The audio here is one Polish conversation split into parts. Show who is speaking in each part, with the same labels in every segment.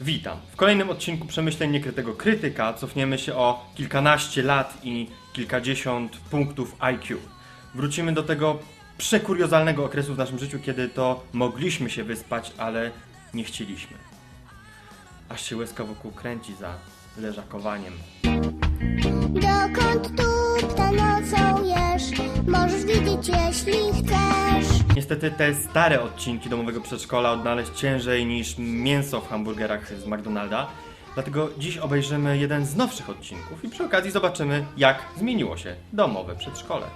Speaker 1: Witam. W kolejnym odcinku Przemyśleń Niekrytego Krytyka cofniemy się o kilkanaście lat i kilkadziesiąt punktów IQ. Wrócimy do tego przekuriozalnego okresu w naszym życiu, kiedy to mogliśmy się wyspać, ale nie chcieliśmy. Aż się łezka wokół kręci za leżakowaniem.
Speaker 2: Dokąd tu nocujesz? Możesz widzieć, jeśli chcesz.
Speaker 1: Niestety te stare odcinki domowego przedszkola odnaleźć ciężej niż mięso w hamburgerach z McDonalda. Dlatego dziś obejrzymy jeden z nowszych odcinków i przy okazji zobaczymy, jak zmieniło się domowe przedszkole.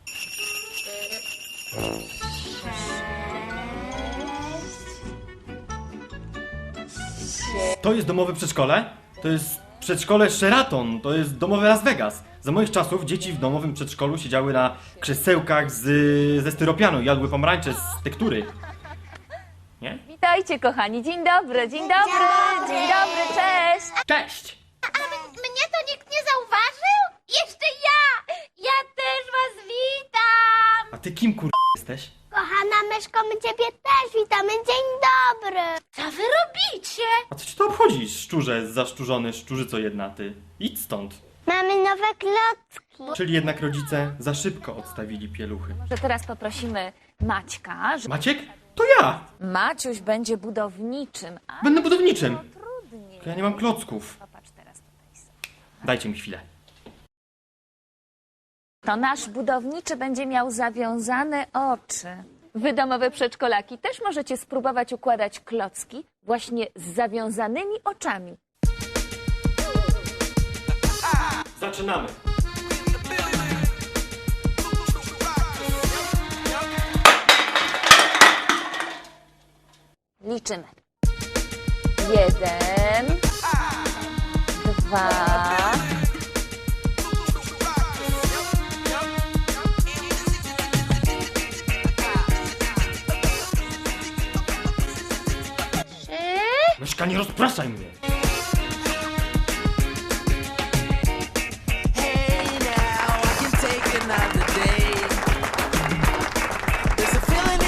Speaker 1: To jest domowe przedszkole? To jest przedszkole Sheraton, to jest domowe Las Vegas. Za moich czasów dzieci w domowym przedszkolu siedziały na krzesełkach ze styropianu i jadły pomarańcze z tektury. Nie?
Speaker 3: Witajcie kochani, dzień dobry, dzień dobry, dzień dobry, cześć!
Speaker 1: Cześć!
Speaker 2: Mnie to nikt nie zauważył? Jeszcze ja! Ja też was witam!
Speaker 1: A ty kim jesteś?
Speaker 2: Kochana myszko, my ciebie też witamy. Dzień dobry! Co wy robicie?
Speaker 1: A co ci to obchodzi, szczurze zaszczurzony, szczurzyco jedna ty? Idź stąd.
Speaker 2: Mamy nowe klocki.
Speaker 1: Czyli jednak rodzice za szybko odstawili pieluchy.
Speaker 3: Że teraz poprosimy Maćka, że
Speaker 1: Maciek? To ja!
Speaker 3: Maciuś będzie budowniczym, a
Speaker 1: Będę budowniczym.
Speaker 3: trudniej.
Speaker 1: Ja nie mam klocków.
Speaker 3: Popatrz teraz tutaj sobie.
Speaker 1: Dajcie mi chwilę.
Speaker 3: To nasz budowniczy będzie miał zawiązane oczy. Wy domowe przedszkolaki też możecie spróbować układać klocki właśnie z zawiązanymi oczami.
Speaker 1: Zaczynamy.
Speaker 3: Liczymy. 1, 2,
Speaker 2: 3.
Speaker 1: Myszka, nie rozpraszaj mnie.
Speaker 4: Hey now, I can take another day. There's a feeling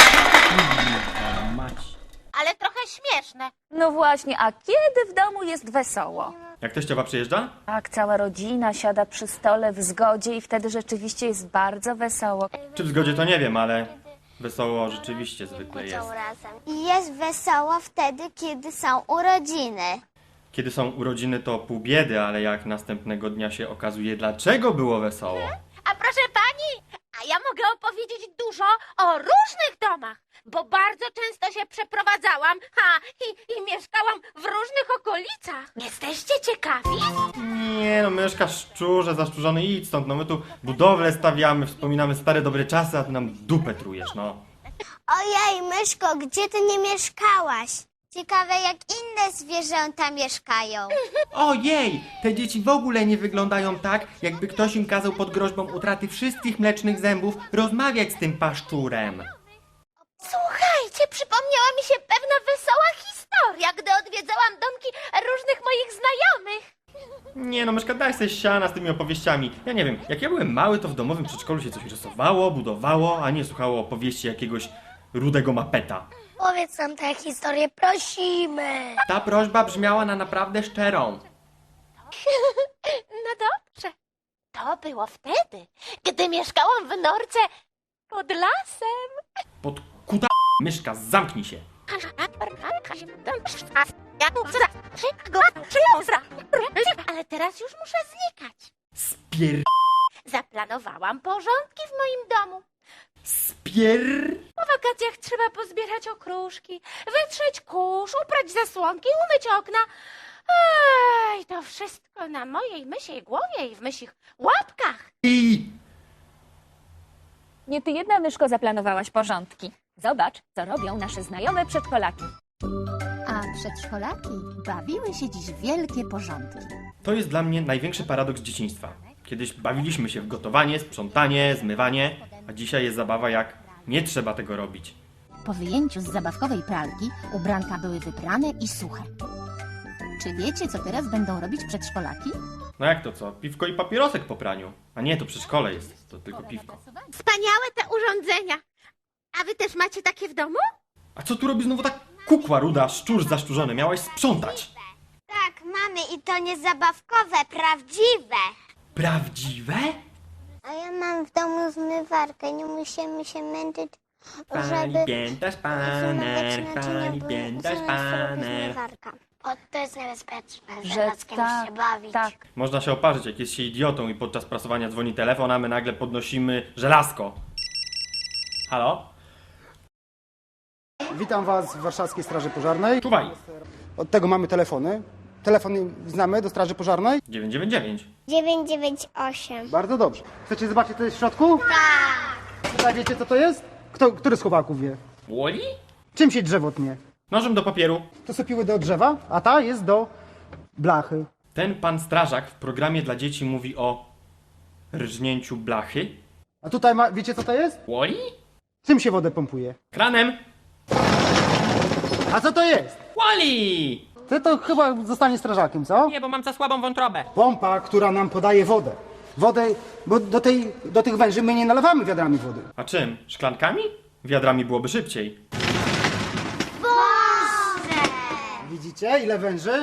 Speaker 1: Mać.
Speaker 2: Ale trochę śmieszne.
Speaker 3: No właśnie, a kiedy w domu jest wesoło?
Speaker 1: Jak teściowa przyjeżdża?
Speaker 3: Tak, cała rodzina siada przy stole w zgodzie i wtedy rzeczywiście jest bardzo wesoło.
Speaker 1: Czy w zgodzie to nie wiem, ale wesoło rzeczywiście zwykle jest.
Speaker 2: I jest wesoło wtedy, kiedy są urodziny.
Speaker 1: Kiedy są urodziny to pół biedy, ale jak następnego dnia się okazuje, dlaczego było wesoło.
Speaker 5: A proszę pani, a ja mogę opowiedzieć dużo o różnych domach, bo bardzo często się przeprowadzałam, i mieszkałam w różnych okolicach. Jesteście ciekawi?
Speaker 1: Nie no, myszka, szczurze, zaszczurzony, idź stąd, no my tu budowlę stawiamy, wspominamy stare dobre czasy, a ty nam dupę trujesz, no.
Speaker 2: Ojej, myszko, gdzie ty nie mieszkałaś? Ciekawe, jak inne zwierzęta mieszkają.
Speaker 6: Ojej, te dzieci w ogóle nie wyglądają tak, jakby ktoś im kazał pod groźbą utraty wszystkich mlecznych zębów rozmawiać z tym paszczurem.
Speaker 5: Słuchajcie, przypomniała mi się pewna wesoła historia, gdy odwiedzałam domki różnych moich znajomych.
Speaker 1: Nie no, myszka, daj sobie siana z tymi opowieściami. Ja nie wiem, jak ja byłem mały, to w domowym przedszkolu się coś rysowało, budowało, a nie słuchało opowieści jakiegoś rudego mapeta.
Speaker 2: Powiedz nam tę historię, prosimy.
Speaker 6: Ta prośba brzmiała na naprawdę szczerą.
Speaker 5: No dobrze, to było wtedy, gdy mieszkałam w Norce pod lasem.
Speaker 1: Pod kuta... Myszka, zamknij się.
Speaker 5: Ale teraz już muszę znikać.
Speaker 1: Spier...
Speaker 5: Zaplanowałam porządki w moim domu.
Speaker 1: Spier...
Speaker 5: Po wakacjach trzeba pozbierać okruszki, wytrzeć kurz, uprać zasłonki, umyć okna. Ej, to wszystko na mojej mysiej głowie i w mysich łapkach.
Speaker 1: I...
Speaker 3: Nie ty jedna, myszko, zaplanowałaś porządki. Zobacz, co robią nasze znajome przedszkolaki.
Speaker 7: A przedszkolaki bawiły się dziś w wielkie porządki.
Speaker 1: To jest dla mnie największy paradoks dzieciństwa. Kiedyś bawiliśmy się w gotowanie, sprzątanie, zmywanie, a dzisiaj jest zabawa jak nie trzeba tego robić.
Speaker 7: Po wyjęciu z zabawkowej pralki ubranka były wyprane i suche. Czy wiecie, co teraz będą robić przedszkolaki?
Speaker 1: No jak to co? Piwko i papierosek po praniu. A nie, to przedszkole jest, to tylko piwko.
Speaker 5: Wspaniałe te urządzenia. A wy też macie takie w domu?
Speaker 1: A co tu robi znowu ta Kukła ruda, szczur zaszczurzony, miałaś sprzątać.
Speaker 2: Tak, mamy i to nie zabawkowe, prawdziwe.
Speaker 1: Prawdziwe?
Speaker 2: A ja mam w domu zmywarkę, nie musimy się męczyć, żeby
Speaker 1: pięta
Speaker 2: zmywać naczynia, bo
Speaker 1: pięta
Speaker 2: zaraz robi zmywarka. O, to jest niebezpieczne,
Speaker 3: Że
Speaker 2: żelazkiem się bawić.
Speaker 3: tak.
Speaker 1: Można się oparzyć, jak jest się idiotą i podczas prasowania dzwoni telefon, a my nagle podnosimy żelazko. Halo?
Speaker 8: Witam Was w Warszawskiej Straży Pożarnej.
Speaker 1: Czuwaj!
Speaker 8: Od tego mamy telefony. Telefon znamy do Straży Pożarnej?
Speaker 1: 999.
Speaker 2: 998.
Speaker 8: Bardzo dobrze. Chcecie zobaczyć, co jest w środku? Tak. A wiecie, co to jest? Który z chłopaków wie?
Speaker 1: Woli?
Speaker 8: Czym się drzewo tnie?
Speaker 1: Nożem do papieru.
Speaker 8: To są piły do drzewa, a ta jest do blachy.
Speaker 1: Ten pan strażak w programie dla dzieci mówi o rżnięciu blachy.
Speaker 8: A tutaj wiecie, co to jest?
Speaker 1: Woli?
Speaker 8: Czym się wodę pompuje?
Speaker 1: Kranem.
Speaker 8: A co to jest?
Speaker 1: Woli!
Speaker 8: Ty to chyba zostanie strażakiem, co?
Speaker 6: Nie, bo mam za słabą wątrobę.
Speaker 8: Pompa, która nam podaje wodę. Wodę, bo do tych węży my nie nalewamy wiadrami wody.
Speaker 1: A czym? Szklankami? Wiadrami byłoby szybciej.
Speaker 8: Widzicie, ile węży?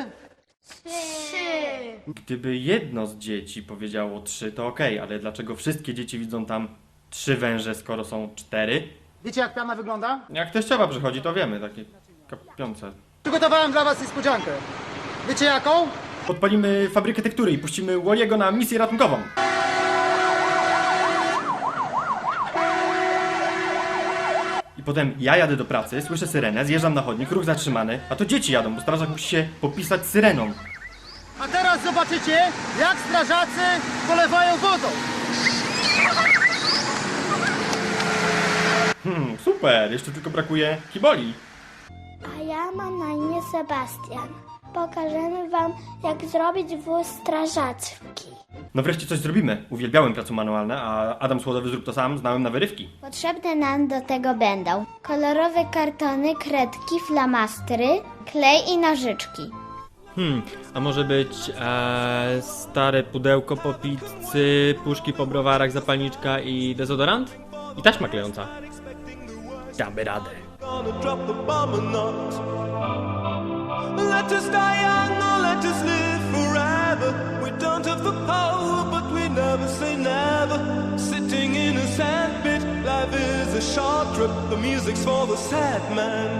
Speaker 1: Gdyby jedno z dzieci powiedziało 3, to okej, ale dlaczego wszystkie dzieci widzą tam 3 węże, skoro są 4?
Speaker 8: Wiecie, jak piana wygląda?
Speaker 1: Jak teściowa przychodzi, to wiemy, takie kapiące.
Speaker 8: Przygotowałem dla Was niespodziankę. Wiecie jaką?
Speaker 1: Podpalimy fabrykę tektury i puścimy Walliego na misję ratunkową. I potem ja jadę do pracy, słyszę syrenę, zjeżdżam na chodnik, ruch zatrzymany, a to dzieci jadą, bo strażak musi się popisać syreną.
Speaker 8: A teraz zobaczycie, jak strażacy polewają wodą.
Speaker 1: Super, jeszcze tylko brakuje kiboli.
Speaker 2: A ja mam na imię Sebastian. Pokażemy wam, jak zrobić wóz strażacki.
Speaker 1: No wreszcie coś zrobimy. Uwielbiałem prace manualne, a Adam Słodowy zrób to sam, znałem na wyrywki.
Speaker 2: Potrzebne nam do tego będą kolorowe kartony, kredki, flamastry, klej i nożyczki.
Speaker 6: A może być stare pudełko po pizzy, puszki po browarach, zapalniczka i dezodorant? I taśma klejąca. Damy radę.
Speaker 4: Gonna drop the bomb or not. Let us die young or let us live forever. We don't have the power, but we never say never. Sitting in a sandpit, life is a short trip. The music's for the sad man.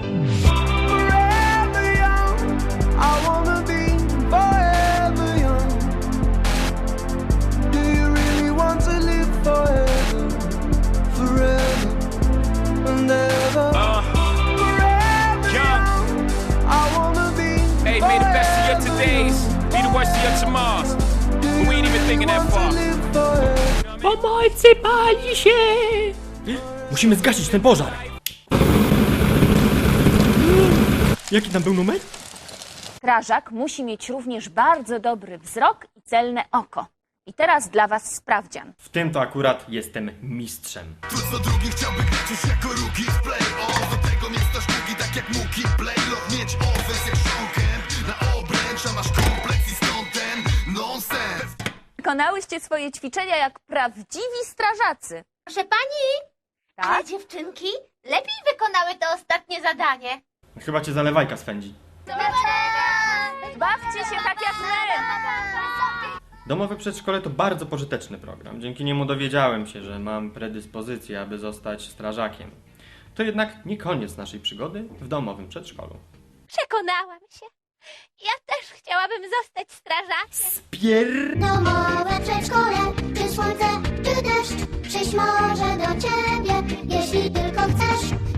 Speaker 4: Forever young, I wanna be forever young. Do you really want to live forever? Forever and ever. Forever young, I wanna be.
Speaker 9: Hey, may the best of your todays be the worst of your tomorrows. But we ain't even thinking that far.
Speaker 6: Pomocy, pali się!
Speaker 1: Musimy zgasić ten pożar! Jaki tam był numer?
Speaker 3: Strażak musi mieć również bardzo dobry wzrok i celne oko. I teraz dla was sprawdzian.
Speaker 1: W tym to akurat jestem mistrzem.
Speaker 10: Co drugi chciałby grać już jako rookie w play. Do tego miasta sztuki tak jak Muki Play. Lot mieć ofens jak Sean Kemp. Na obręcz, a masz kompleks i stąd ten nonsens.
Speaker 3: Wykonałyście swoje ćwiczenia jak prawdziwi strażacy.
Speaker 5: Proszę pani,
Speaker 3: Tak?
Speaker 5: ale dziewczynki lepiej wykonały to ostatnie zadanie.
Speaker 1: Chyba cię zalewajka swędzi.
Speaker 3: Bawcie się tak jak my!
Speaker 1: Domowe przedszkole to bardzo pożyteczny program. Dzięki niemu dowiedziałem się, że mam predyspozycję, aby zostać strażakiem. To jednak nie koniec naszej przygody w domowym przedszkolu.
Speaker 5: Przekonałam się. Ja też chciałabym zostać strażakiem.
Speaker 2: Domowe przedszkole, czy słońce, czy deszcz, przyjść może do ciebie, jeśli tylko chcesz.